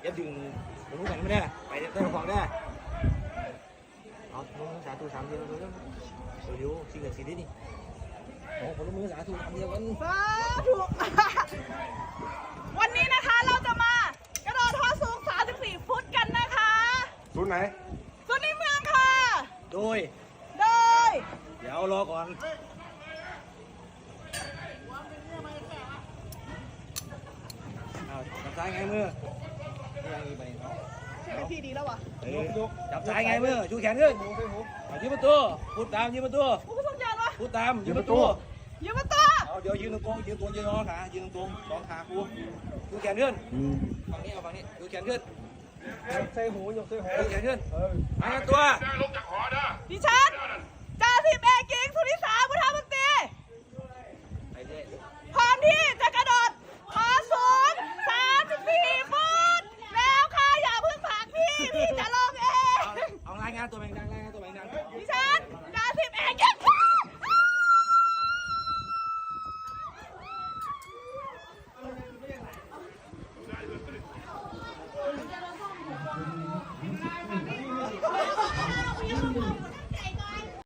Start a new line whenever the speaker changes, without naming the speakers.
เย็บดึงผมรู้กันไม่ได้ไปเต้นของได้เอาสาธุ3เดียวเลยเร็วสิ่งศักดิ์สิทธิ์นี่โอ้คนละมือสาธุ3เดียวกัน
สาธุวันนี้นะคะเราจะมากระโดดท่อสูง34 ฟุตกันนะคะ
ศูนย์ไหน
ส่วนในเมืองค่ะ
โดย
โดย
เดี๋ยวรอก่อนเอาจับซ้ายไงมือนี่ยังมีไปเนาะ
ใช่พี่ดีแล้ววะ
จับซ้ายไงมือชูแขนขึ้นยืนประตูพูดตามยืนประตู
ผู้สมยานวะ
พูดตามยืนประตู
ยืมมาตัว
เอาเดี๋ยวยืนตรงยืนตัวยืนงอขายืนตรงสองขาครูดูแขนขึ้นฝั่งนี้เอาฝั่งนี้ดูแขนขึ้น
ใส่หูยกใส่หู
ดูแขนขึ้นมาตัว
ดิฉันจ่าสิบเอกหญิงสุนิสาพุทธมนตรี
ไปเรื่อย
พร้อมที่จะกระโดดขอสูง34 ฟุตแล้วค่ะอย่าเพิ่งผลักพี่จะลงเอง
เอารายงานตัวแมงดังรายงานตัวแมงดัง
ดิฉันจ่าสิบเอกหญิง